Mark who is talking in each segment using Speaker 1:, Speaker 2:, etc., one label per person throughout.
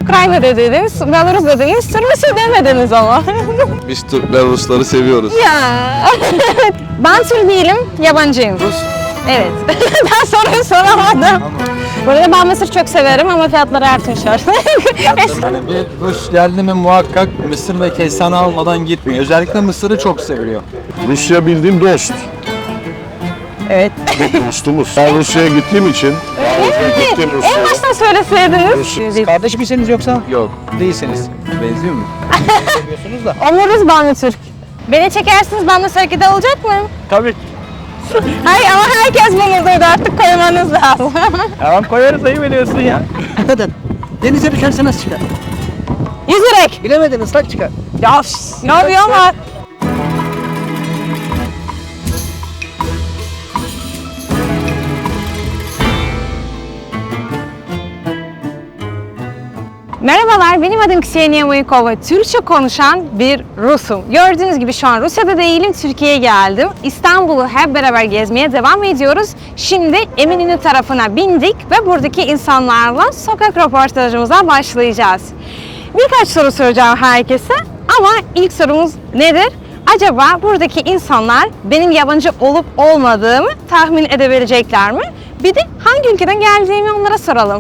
Speaker 1: Ukrayna dediniz, Belarus dediniz, Rusya demediniz ama.
Speaker 2: Biz Türkler Rusları seviyoruz.
Speaker 1: Ya. Ben Türk değilim, yabancıyım.
Speaker 2: Rus.
Speaker 1: Evet. Ben soruyu soramadım. Burada ben Mısır çok severim ama fiyatları artmış artık.
Speaker 3: Yani bir Rus geldi mi muhakkak Mısır ve kestane almadan gitmiyor. Özellikle Mısır'ı çok seviyor.
Speaker 2: Rusya bildiğim dost.
Speaker 1: Evet.
Speaker 2: Dostumuz. Ben Rusya'ya gittiğim için. Gittim
Speaker 1: En
Speaker 2: Rusya'ya.
Speaker 1: baştan söyleseydiniz.
Speaker 3: Kardeş misiniz yoksa? Yok. Değilsiniz. Benziyor mu? Seviyorsunuz da.
Speaker 1: Omuruz ben de Türk. Beni çekersiniz ben de sergide olacak mı?
Speaker 3: Tabii.
Speaker 1: Hayır ama herkes bunu duydu artık koymanız lazım.
Speaker 3: Tamam koyarız ayı veriyorsun ya. Kadın. Denize düşerse nasıl çıkar?
Speaker 1: Yüzerek.
Speaker 3: Bilemedin ıslak çıkar.
Speaker 1: Ya ne yapıyor ama? Merhabalar, benim adım Kseniya Muyukova. Türkçe konuşan bir Rusum. Gördüğünüz gibi şu an Rusya'da değilim, Türkiye'ye geldim. İstanbul'u hep beraber gezmeye devam ediyoruz. Şimdi Eminönü tarafına bindik ve buradaki insanlarla sokak röportajımıza başlayacağız. Birkaç soru soracağım herkese ama ilk sorumuz nedir? Acaba buradaki insanlar benim yabancı olup olmadığımı tahmin edebilecekler mi? Bir de hangi ülkeden geldiğimi onlara soralım.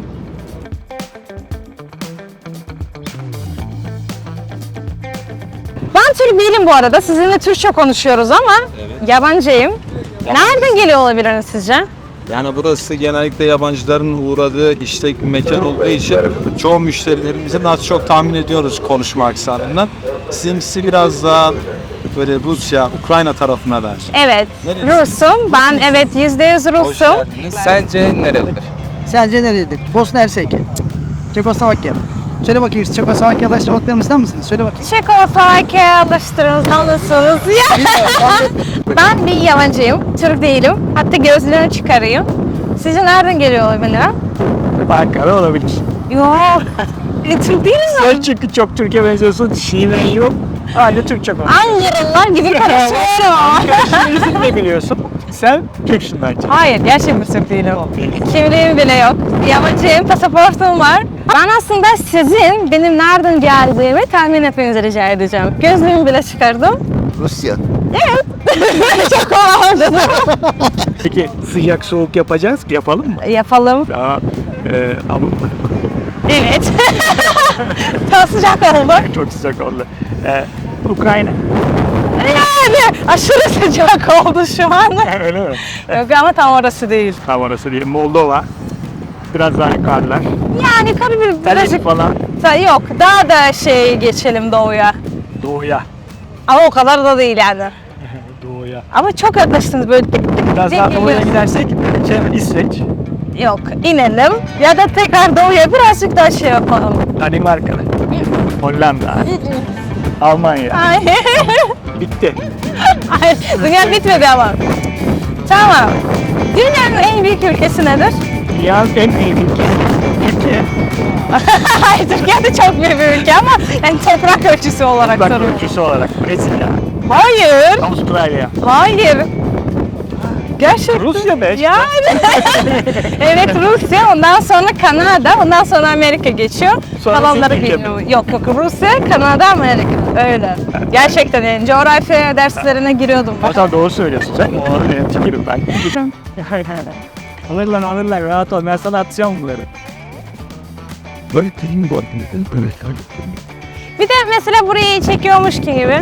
Speaker 1: Ben Türk değilim bu arada. Sizinle Türkçe konuşuyoruz ama yabancıyım. Nereden geliyor olabilirsiniz sizce?
Speaker 3: Yani burası genellikle yabancıların uğradığı işlek bir mekan olduğu için çoğu müşterilerimizin az çok tahmin ediyoruz konuşma aksanından. Sizinkisi biraz daha böyle Rusya, Ukrayna tarafına ver.
Speaker 1: Evet,
Speaker 3: Nerelisin?
Speaker 1: Rusum. Ben evet %100 Rusum.
Speaker 3: Sence nerelidir?
Speaker 4: Sence nerededir? Bosna Hersek. Çekoslovakya. Söyle bakayım, Çekoslovakya'da yaşamaklarımızdan mısınız? Söyle bakayım.
Speaker 1: Çekoslovakya alıştırılmalısınız. Ben bir yabancıyım, Türk değilim. Hatta gözlerimi çıkarayım. Sizce nereden geliyor olabilir?
Speaker 4: Ankara olabilir.
Speaker 1: Yok. Türk değiliz mi?
Speaker 4: Sen çünkü çok Türkiye benziyorsun. Şiven yok. Hala Türkçe konuşuyorsun.
Speaker 1: Ankaralılar gibi konuşuyorum.
Speaker 4: Şive'yi de biliyorsun. Sen Türksün bence.
Speaker 1: Hayır, gerçekten Türk değilim. Kimliğim bile yok. Yabancıyım, pasaportum var. Ben aslında sizin benim nereden geldiğimi tahmin etmenizi rica edeceğim. Gözlüğümü bile çıkardım.
Speaker 2: Rusya.
Speaker 1: Evet. Çok kolay.
Speaker 4: Peki sıcak soğuk yapacağız. Yapalım mı?
Speaker 1: Yapalım.
Speaker 4: Daha ama
Speaker 1: Evet. Çok sıcak oldu.
Speaker 4: çok sıcak oldu. Ukrayna.
Speaker 1: Yani aşırı sıcak oldu şu an.
Speaker 4: Öyle mi?
Speaker 1: Yok ama tam orası değil.
Speaker 4: Tam orası değil. Moldova. Biraz daha yukarılar.
Speaker 1: Yani birazcık
Speaker 4: Birazcık falan
Speaker 1: yok. Daha da geçelim doğuya.
Speaker 4: doğuya.
Speaker 1: Ama o kadar da değil yani.
Speaker 4: Doğuya.
Speaker 1: Ama çok yaklaştınız böyle.
Speaker 4: Biraz daha doğuya gidersek İsveç,
Speaker 1: Yok, inelim ya da tekrar doğuya birazcık daha yapalım.
Speaker 4: Danimarka, Hollanda, Almanya.
Speaker 1: Ay,
Speaker 4: Bitti.
Speaker 1: ay, dünya bitmedi ama. Tamam. Dünyanın en büyük ülkesi nedir?
Speaker 4: Dünyanın en büyük ülkesi Türkiye.
Speaker 1: Hayır, Türkiye de çok büyük bir ülke ama yani toprak ölçüsü olarak
Speaker 4: Bak
Speaker 1: soruyorum.
Speaker 4: ülkesi olarak Brezilya,
Speaker 1: Hayır,
Speaker 4: Avustralya.
Speaker 1: hayır. Gerçekten.
Speaker 4: Rusya be.
Speaker 1: Yani. Evet Rusya, ondan sonra Kanada, ondan sonra Amerika geçiyor.
Speaker 4: Sonra
Speaker 1: Kalanları
Speaker 4: Türkiye.
Speaker 1: bilmiyorum. Yok Rusya, Kanada, Amerika. Öyle. Gerçekten yani coğrafya derslerine giriyordum ben.
Speaker 4: Hatta doğru söylüyorsun sen. O çekirim ben. Alırlar rahat ol. Ben sana atacağım bunları.
Speaker 2: Böyle değil bu.
Speaker 1: Bir de mesela burayı çekiyormuş gibi.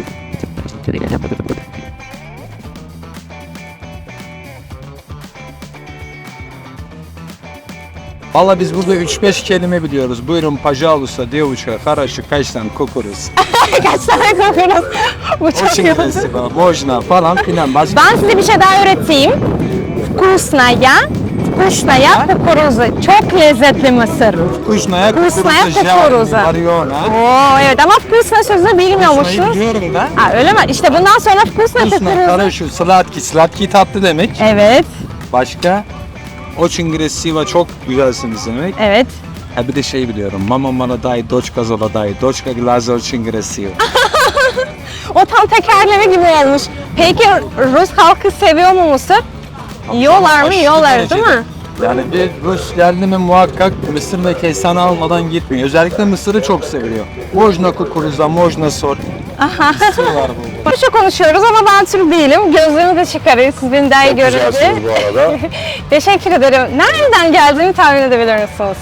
Speaker 3: Valla biz burada 3-5 kelime biliyoruz. Buyurun, pajalusa, девочка, хорошо, kaçtan, kukuruz.
Speaker 1: Kaç tane kokuyoruz? Bu çok iyi oldu.
Speaker 3: Спасибо, можно falan filan. Başka
Speaker 1: Ben size bir şey daha öğreteyim. Vkusnaya, vkusnaya kukuruzu. Çok lezzetli mısır.
Speaker 3: Kuşnaya
Speaker 1: Kuşnaya
Speaker 3: kukuruza,
Speaker 1: kukuruza.
Speaker 3: Mariona.
Speaker 1: Oo evet ama vkusna sözünü bilmiyormuşsunuz.
Speaker 3: biliyorum ben.
Speaker 1: Ha öyle mi? İşte bundan sonra vkusna
Speaker 3: Kuşna,
Speaker 1: kukuruzu.
Speaker 3: хорошо, slatki. Slatki tatlı demek.
Speaker 1: Evet,
Speaker 3: Başka? Очень красиво, çok güzelsiniz demek.
Speaker 1: evet.
Speaker 3: Ha bir de şey biliyorum. Mama молодая, дочка золотая, дочка глаза очень красиво.
Speaker 1: O tam tekerleme gibi olmuş. Peki Rus halkı seviyor mu mısır? Yiyorlar mı?
Speaker 3: Aşırı
Speaker 1: Yiyorlar
Speaker 3: derecede.
Speaker 1: değil mi?
Speaker 3: Yani bir Rus geldi mi muhakkak mısır ve kestane almadan gitmiyor. Özellikle mısırı çok seviyor. Mojna kukuruzda, mojna sor. Mısır var burada.
Speaker 1: Rusça konuşuyoruz ama ben Türk değilim. Gözlüğümü de çıkarayım siz beni daha iyi
Speaker 2: Çok
Speaker 1: görün diye.
Speaker 2: güzelsiniz bu arada.
Speaker 1: Teşekkür ederim. Nereden geldiğimi tahmin edebilir misiniz?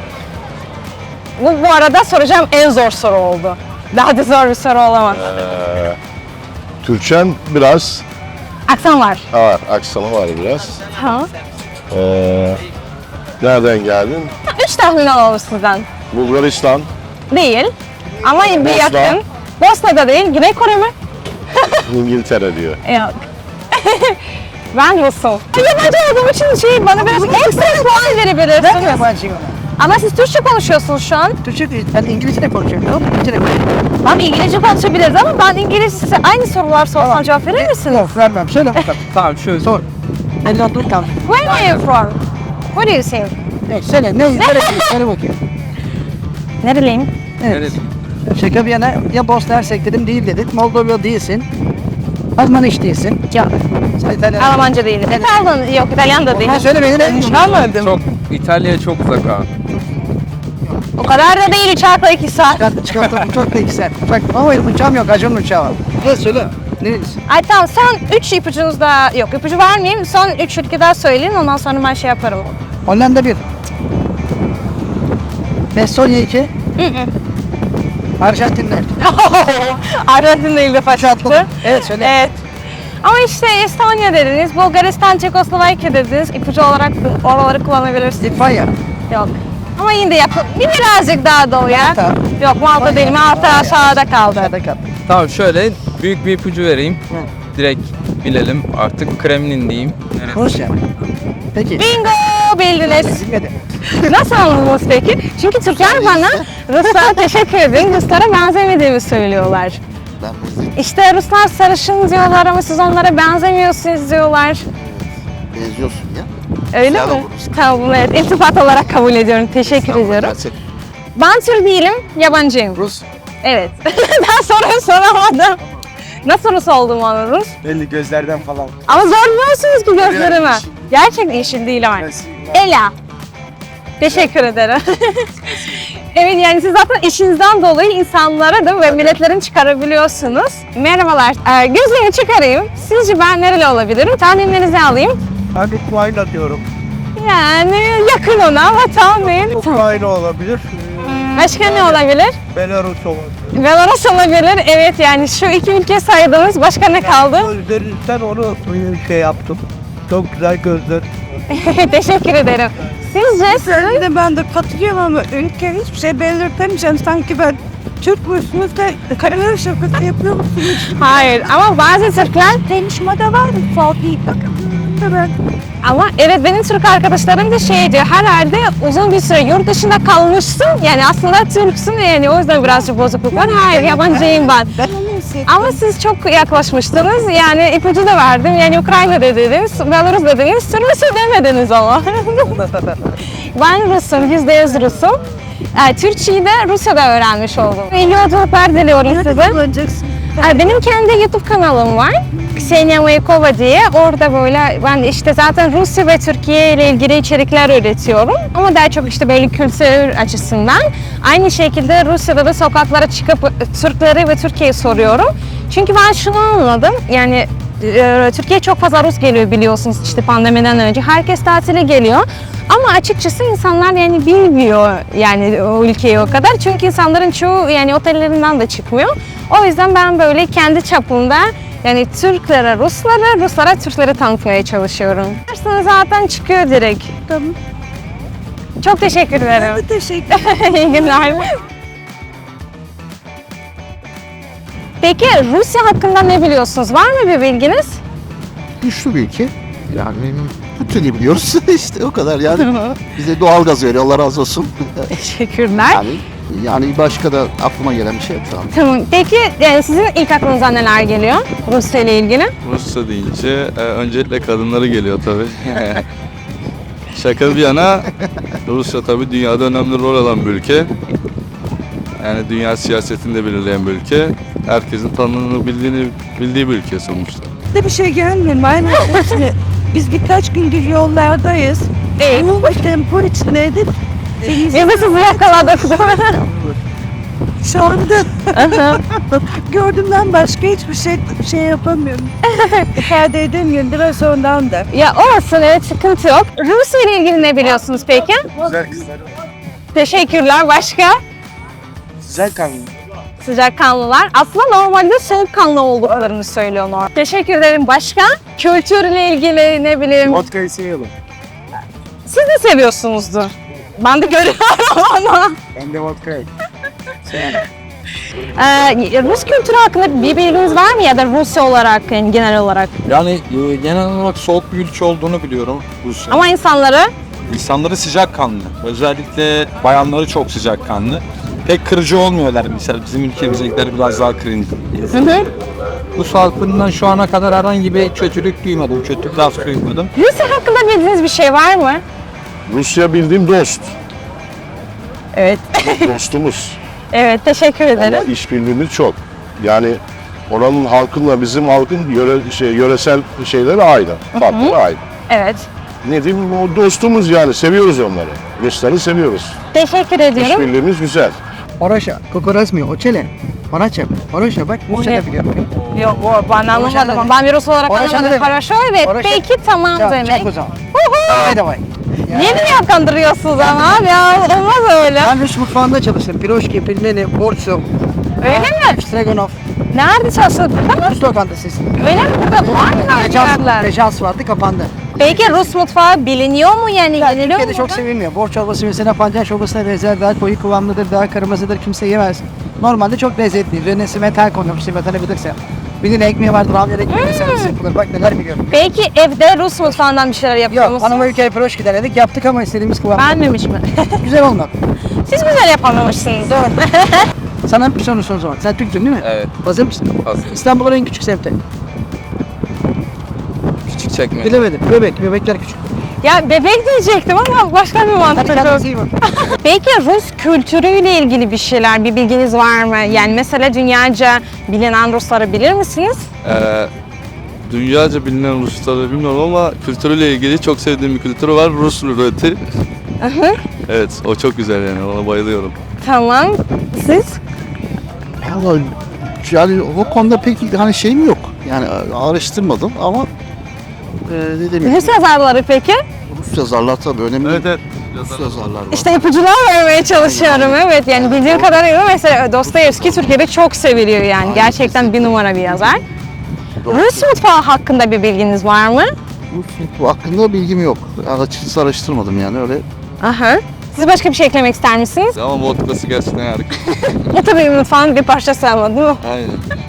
Speaker 1: Bu arada soracağım en zor soru oldu. Daha da zor bir soru olamaz.
Speaker 2: Türkçen biraz
Speaker 1: Aksan var.
Speaker 2: var, aksanı var biraz.
Speaker 1: Tamam.
Speaker 2: Nereden geldin?
Speaker 1: 3 tahmin alalım sizden.
Speaker 2: Bulgaristan,
Speaker 1: Değil. Ama bir
Speaker 2: Bosna.
Speaker 1: yakın. Bosna'da değil. Güney Kore mi?
Speaker 2: İngiltere diyor.
Speaker 1: Yok. Ben Rus'um. Yabancı olduğum için bana biraz ekstra puan verebilirsin.
Speaker 4: Ben yabancıyım ama.
Speaker 1: Ama siz Türkçe konuşuyorsunuz şu an.
Speaker 4: Türkçe değil. Ben İngilizce de konuşuyorum. Tamam mı? İngilizce de konuşuyorum.
Speaker 1: Tamam İngilizce konuşabiliriz ama ben İngilizce aynı sorular sorsam cevap verir misiniz?
Speaker 4: Yok vermem. Söyle bakalım.
Speaker 3: Tamam şöyle.
Speaker 4: Sor. Elini dur kaldı.
Speaker 1: Where are you from? What do you say?
Speaker 4: Evet söyle. Neresi? Söyle bakayım.
Speaker 1: Nereliyim?
Speaker 4: Evet. Şaka bir yana ya Bosna Hersek dedim değil dedik. Moldova değilsin. Alman hiç değilsin.
Speaker 1: Yok.
Speaker 4: Sen İtalyan.
Speaker 1: Almanca değilim. İtalyan, yok İtalyan da değil.
Speaker 4: Ha söyle beni ne? Anladım.
Speaker 3: Çok, İtalya çok uzak abi.
Speaker 1: O kadar da değil uçakla 2 saat.
Speaker 4: Çıkarttım çok da iki saat. Bak ama uçağım yok. Acun'un uçağı var. Ne söyle. Nerelisin?
Speaker 1: Ay tamam son 3 ipucunuz da yok ipucu vermeyeyim. Son 3 ülke daha söyleyin ondan sonra ben şey yaparım.
Speaker 4: Hollanda 1. Estonya 2. Arjantinler.
Speaker 1: Arjantin'de ilk defa
Speaker 4: Uçağı
Speaker 1: çıktı.
Speaker 4: atladım. Evet söyle.
Speaker 1: Evet. Ama işte Estonya dediniz, Bulgaristan, Çekoslovakya dediniz. İpucu olarak oraları kullanabilirsiniz.
Speaker 4: Litvanya.
Speaker 1: Yok. Ama yine de yakın. Birazcık daha doğuya.
Speaker 4: Malta.
Speaker 1: Yok Malta değil. Malta aşağıda kaldı.
Speaker 4: Nerede kaldı?
Speaker 5: Tamam şöyle büyük bir ipucu vereyim. Direkt bilelim artık Kremlin diyeyim.
Speaker 4: Rusya. Peki.
Speaker 1: Bingo bildiniz.
Speaker 4: Bilmedi.
Speaker 1: Nasıl anladınız peki? Çünkü Türkler bana Ruslara teşekkür edin, Ruslara benzemediğimi söylüyorlar. İşte Ruslar sarışın diyorlar ama siz onlara benzemiyorsunuz diyorlar.
Speaker 6: Benziyorsun ya.
Speaker 1: Öyle
Speaker 6: Güzel
Speaker 1: mi?
Speaker 6: oluruz.
Speaker 1: Tamam bunu evet, iltifat olarak kabul ediyorum. Teşekkür ediyorum. Ben Türk değilim, yabancıyım.
Speaker 4: Rus.
Speaker 1: Evet. Ben soruyu soramadım. Nasıl Rus olduğumu anladınız?
Speaker 3: Belli gözlerden falan.
Speaker 1: Ama zorluyorsunuz ki gözlerime. Gerçekten yeşil değil ama. Ela. Teşekkür ederim. Evet yani siz zaten işinizden dolayı insanlara da ve milletlerin çıkarabiliyorsunuz. Merhabalar. Gözlüğümü çıkarayım. Sizce ben nereli olabilirim? Tahminlerinizi alayım.
Speaker 7: Ben Ukrayna diyorum.
Speaker 1: Yani yakın ona ama tahmin.
Speaker 7: Ukrayna olabilir,
Speaker 1: Başka ne olabilir?
Speaker 7: Belarus olabilir.
Speaker 1: Belarus olabilir. Evet yani şu iki ülke saydınız. Başka ne kaldı?
Speaker 7: Gözlerinizden onu şey yaptım. Çok güzel gözler.
Speaker 1: Teşekkür ederim. Sizce
Speaker 8: De ben de katılıyorum ama ülke hiçbir şey belirtemeyeceğim. Sanki ben Türk müsünüz de kariyer şakası yapıyor musunuz?
Speaker 1: hayır ama bazı Türkler
Speaker 8: Tanışmada var mı? Fatih bakın. Evet.
Speaker 1: ama evet benim Türk arkadaşlarım da şey diyor herhalde uzun bir süre yurt dışında kalmışsın yani aslında Türksün yani o yüzden birazcık bozukluk var. Hayır yabancıyım ben.
Speaker 8: Ben onu hissettim.
Speaker 1: Ama siz çok yaklaşmıştınız yani ipucu da verdim yani Ukrayna dediniz, Belarus dediniz, Rusya demediniz ama. Ben Rus'um, %100 Rus'um. Türkçeyi de Rusya'da öğrenmiş oldum. İyi yolculuklar diliyorum size.
Speaker 8: Kullanacaksın.
Speaker 1: Benim kendi YouTube kanalım var. Ksenia Maykova diye. Orada böyle ben işte zaten Rusya ve Türkiye ile ilgili içerikler üretiyorum. Ama daha çok işte böyle kültür açısından. Aynı şekilde Rusya'da da sokaklara çıkıp Türkleri ve Türkiye'yi soruyorum. Çünkü ben şunu anladım. Yani Türkiye'ye çok fazla Rus geliyor biliyorsunuz işte pandemiden önce. Herkes tatile geliyor. Ama açıkçası insanlar yani bilmiyor yani o ülkeyi o kadar. Çünkü insanların çoğu yani otellerinden de çıkmıyor. O yüzden ben böyle kendi çapımda yani Türklere Ruslara, Ruslara Türkleri tanıtmaya çalışıyorum. Aslında zaten çıkıyor direkt.
Speaker 8: Tamam.
Speaker 1: Çok teşekkür ederim.
Speaker 8: Teşekkür
Speaker 1: İyi günler. Peki Rusya hakkında ne biliyorsunuz? Var mı bir bilginiz?
Speaker 6: Güçlü bir ülke. Yani bütün biliyoruz işte o kadar yani. Bize doğalgaz veriyor Allah razı olsun.
Speaker 1: Teşekkürler.
Speaker 6: Yani başka da aklıma gelen bir şey yok şu an.
Speaker 1: Tamam. Peki yani sizin ilk aklınıza neler geliyor Rusya ile ilgili?
Speaker 5: Rusya deyince öncelikle kadınları geliyor tabii. Şaka bir yana Rusya tabii dünyada önemli rol alan bir ülke. Yani dünya siyasetini de belirleyen bir ülke. Herkesin tanınığını bildiği bir ülke sonuçta.
Speaker 8: de bir şey gelmiyor. Aynen. Biz birkaç gündür yollardayız.
Speaker 1: Değil.
Speaker 8: Bu tempo içindeydi.
Speaker 1: Biz de sizi yakaladık değil mi?
Speaker 8: Şu anda gördüğümden başka hiçbir şey yapamıyorum. İfade edemiyorum biraz ondan da.
Speaker 1: Ya olsun, evet, sıkıntı yok. Rusya ile ilgili ne biliyorsunuz peki?
Speaker 7: Güzel kızlar.
Speaker 1: Teşekkürler. Başka?
Speaker 7: Güzel kanlı.
Speaker 1: Sıcakkanlılar. Aslında normalde soğukkanlı olduklarını söylüyorlar. Teşekkür ederim. Başka? Kültürle ilgili ne bileyim.
Speaker 7: Vodka'yı seviyorum.
Speaker 1: Siz de seviyorsunuzdur. Ben de görüyorum ama.
Speaker 7: Ben de vodka'yı.
Speaker 1: Rus kültürü hakkında bir bilginiz var mı ya da Rusya olarak yani genel olarak?
Speaker 3: Yani genel olarak soğuk bir ülke olduğunu biliyorum Rusya.
Speaker 1: Ama insanları
Speaker 3: İnsanları sıcakkanlı. Özellikle bayanları çok sıcakkanlı. Pek kırıcı olmuyorlar mesela. Bizim ülkemizdekiler biraz daha kırıcı. Rus halkından şu ana kadar herhangi bir kötülük duymadım. Kötü laf duymadım.
Speaker 1: Rusya hakkında bildiğiniz bir şey var mı?
Speaker 2: Rusya bildiğim dost.
Speaker 1: Evet.
Speaker 2: Dostumuz.
Speaker 1: Evet, teşekkür
Speaker 2: Ama
Speaker 1: ederim.
Speaker 2: işbirliğimiz çok. Yani oranın halkınla bizim halkın yöresel şeyleri aynı. Farkları aynı.
Speaker 1: Evet.
Speaker 2: Ne diyeyim, o dostumuz yani. Seviyoruz onları. Rusları seviyoruz.
Speaker 1: Teşekkür ediyorum.
Speaker 2: İşbirliğimiz güzel.
Speaker 4: Хорошо. Кукурузми учили? Хорошо. Хорошо. Bak Rusça da biliyorum.
Speaker 1: Yok, ben anlamadım. ama Ben bir Rus olarak
Speaker 4: Хорошо
Speaker 1: anlamadım.
Speaker 4: demek.
Speaker 1: Хорошо, evet.
Speaker 4: Хорошо.
Speaker 1: Peki, tamam
Speaker 4: Ya,
Speaker 1: demek.
Speaker 4: çok o zaman. Hadi davay.
Speaker 1: Niye beni kandırıyorsunuz ama abi ya? Olmaz öyle.
Speaker 4: Ben Rus mutfağında çalıştım. Piroşki, pilmeni, borsu,
Speaker 1: Öyle mi?
Speaker 4: stregonov.
Speaker 1: Nerede çalıştın? Burada mı?
Speaker 4: Rus lokantası.
Speaker 1: Öyle mi? Burada var mı yerler?
Speaker 4: Rejans vardı, kapandı.
Speaker 1: Peki Rus mutfağı biliniyor mu yani?
Speaker 4: Ya,
Speaker 1: Yeniliyor mu?
Speaker 4: Türkiye'de çok sevilmiyor. Borç çorbası mesela pancar çorbasına benzer, daha koyu kıvamlıdır, daha kırmızıdır, kimse yemez. Normalde çok lezzetli. Üzerine metal konulmuş, vatanabilirse. Bir de ekmeği vardır, avlar ekmeği servisi yapılır. Bak neler biliyorum.
Speaker 1: Peki evde Rus mutfağından bir şeyler yapıyor
Speaker 4: Yok,
Speaker 1: musunuz?
Speaker 4: hanıma ülkeye piroşki denedik, yaptık ama istediğimiz kıvam.
Speaker 1: Beğenmemiş mi?
Speaker 4: Güzel olmadı.
Speaker 1: Siz güzel yapamamışsınız. Doğru.
Speaker 4: Sana bir soru soracağım. Sen Türk'tün değil mi?
Speaker 5: Evet.
Speaker 4: Hazır mısın?
Speaker 5: Hazır.
Speaker 4: İstanbul'un en küçük semti.
Speaker 5: Küçük çekme.
Speaker 4: Bilemedim. Bebekler küçük.
Speaker 1: Ya bebek diyecektim ama başka bir mantık yok.
Speaker 4: Hatırladınız iyi bak.
Speaker 1: Peki Rus kültürüyle ilgili bir şeyler, bir bilginiz var mı? Yani mesela dünyaca bilinen Rusları bilir misiniz?
Speaker 5: Dünyaca bilinen Rusları bilmiyorum ama kültürüyle ilgili çok sevdiğim bir kültürü var. Rus ruleti. Evet, o çok güzel yani. Ona bayılıyorum.
Speaker 1: Tamam. Siz?
Speaker 6: Vallahi yani o konuda pek hani şeyim yok. Yani araştırmadım ama dediğim gibi
Speaker 1: Rus yazarları peki?
Speaker 6: Rus yazarlar tabii önemli.
Speaker 3: Evet.
Speaker 6: Rus yazarlar var.
Speaker 1: İşte ipucular vermeye çalışıyorum. Evet, yani bildiğim kadarıyla mesela Dostoyevski Türkiye'de çok seviliyor yani. Gerçekten bir numara bir yazar. Rus mutfağı hakkında bir bilginiz var mı?
Speaker 6: Rus mutfağı hakkında bilgim yok. Açıkçası araştırmadım yani öyle.
Speaker 1: Aha. Siz başka bir şey eklemek ister misiniz?
Speaker 5: Ama vodkası gerçekten harika.
Speaker 1: Bu tabii mutfağın bir parçası ama değil mi?
Speaker 5: Aynen.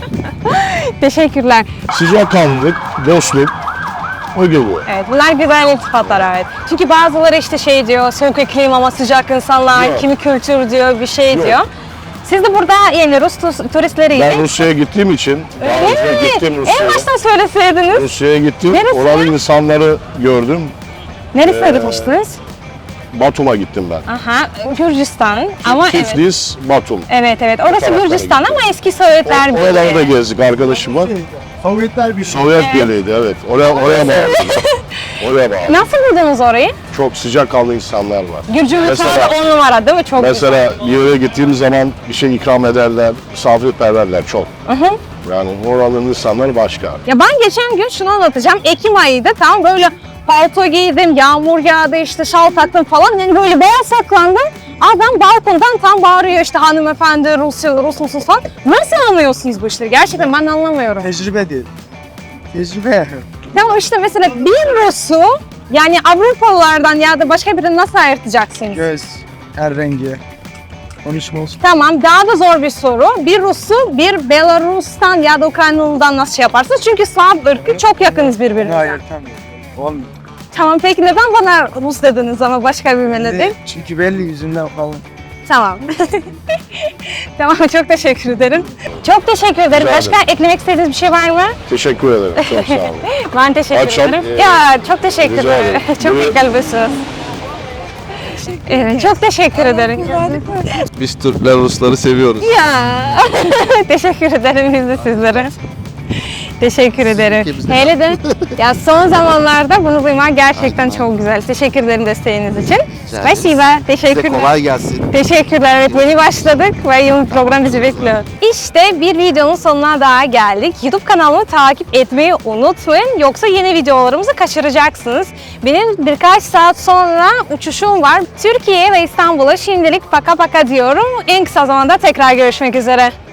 Speaker 1: Teşekkürler.
Speaker 2: Sıcakkanlılık, dostluk. O gibi.
Speaker 1: Evet, bunlar güzel iltifatlar, evet. Çünkü bazıları işte şey diyor, soğuk iklim ama sıcak insanlar,
Speaker 2: Yok.
Speaker 1: kimi kültür diyor, bir şey
Speaker 2: Yok.
Speaker 1: diyor. Siz de burada yani Rus turistleriyle...
Speaker 2: Ben Rusya'ya gittiğim için, daha önce gittim
Speaker 1: En
Speaker 2: Rusya'ya.
Speaker 1: baştan söyleseydiniz.
Speaker 2: Rusya'ya gittim,
Speaker 1: Neresi?
Speaker 2: oranın insanları gördüm.
Speaker 1: Neresine gitmiştiniz?
Speaker 2: Batum'a gittim ben.
Speaker 1: Aha, Gürcistan ama evet.
Speaker 2: Tiflis, Batum.
Speaker 1: Evet, orası
Speaker 2: taraflara
Speaker 1: Gürcistan
Speaker 2: gittim.
Speaker 1: ama eski Sovyetler
Speaker 2: Oralarda gezdik, arkadaşım var.
Speaker 7: Sovyetler Birliği.
Speaker 2: Sovyet Birliği'ydi, evet. Oraya bağlı. Oraya bağlı.
Speaker 1: Nasıl buldunuz orayı?
Speaker 2: Çok sıcakkanlı insanlar var.
Speaker 1: Gürcü
Speaker 2: Mesela-
Speaker 1: mutfağı 10 numara değil mi? Çok
Speaker 2: Mesela bir yere gittiğim zaman bir şey ikram ederler, misafirperverler çok. Yani oranın insanlar başka.
Speaker 1: Ya ben geçen gün şunu anlatacağım. Ekim ayıydı, tam böyle palto giydim, yağmur yağdı, işte şal taktım falan. Yani böyle beyaz saklandım. Adam balkondan tam bağırıyor işte hanımefendi Rus musunuz falan. Nasıl anlıyorsunuz bu işleri? Gerçekten ben anlamıyorum.
Speaker 7: Tecrübe değil. Tecrübe.
Speaker 1: Tamam işte mesela bir Rus'u yani Avrupalılardan ya da başka birini nasıl ayırtacaksınız?
Speaker 7: Göz, her rengi. Konuşma olsun.
Speaker 1: Tamam, daha da zor bir soru. Bir Rus'u bir Belarus'tan ya da Ukraynalı'dan nasıl şey yaparsınız? Çünkü Slav ırkı çok yakınız birbirine.
Speaker 7: Hayır tamam. Olmuyor.
Speaker 1: Tamam, peki neden bana Rus dediniz ama başka bir millet?
Speaker 7: Çünkü belli yüzünden falan.
Speaker 1: Tamam. Tamam, çok teşekkür ederim. Çok teşekkür ederim.
Speaker 2: Rica
Speaker 1: Başka eklemek istediğiniz bir şey var mı?
Speaker 2: Teşekkür ederim, çok sağ olun.
Speaker 1: Ben teşekkür
Speaker 2: Akşam,
Speaker 1: ederim.
Speaker 2: e,
Speaker 1: Ya çok teşekkür
Speaker 2: rica
Speaker 1: ederim.
Speaker 2: ederim.
Speaker 1: Çok
Speaker 2: Böyle-
Speaker 1: kalbisiniz. Evet, çok teşekkür ederim.
Speaker 5: Biz Türkler Rusları seviyoruz.
Speaker 1: Ya teşekkür ederim biz de sizlere. Teşekkür ederim.
Speaker 6: ülkemizde
Speaker 1: Hele de ya son zamanlarda bunu duymak gerçekten çok güzel. Teşekkür ederim desteğiniz için.
Speaker 6: ederiz.
Speaker 1: Spasiba.
Speaker 6: Size
Speaker 1: Teşekkürler.
Speaker 6: kolay gelsin.
Speaker 1: Teşekkürler. Evet, yeni başladık ve yeni bir program bizi bekliyor. İşte bir videonun sonuna daha geldik. YouTube kanalımı takip etmeyi unutmayın. Yoksa yeni videolarımızı kaçıracaksınız. Benim birkaç saat sonra uçuşum var. Türkiye ve İstanbul'a şimdilik paka paka diyorum. En kısa zamanda tekrar görüşmek üzere.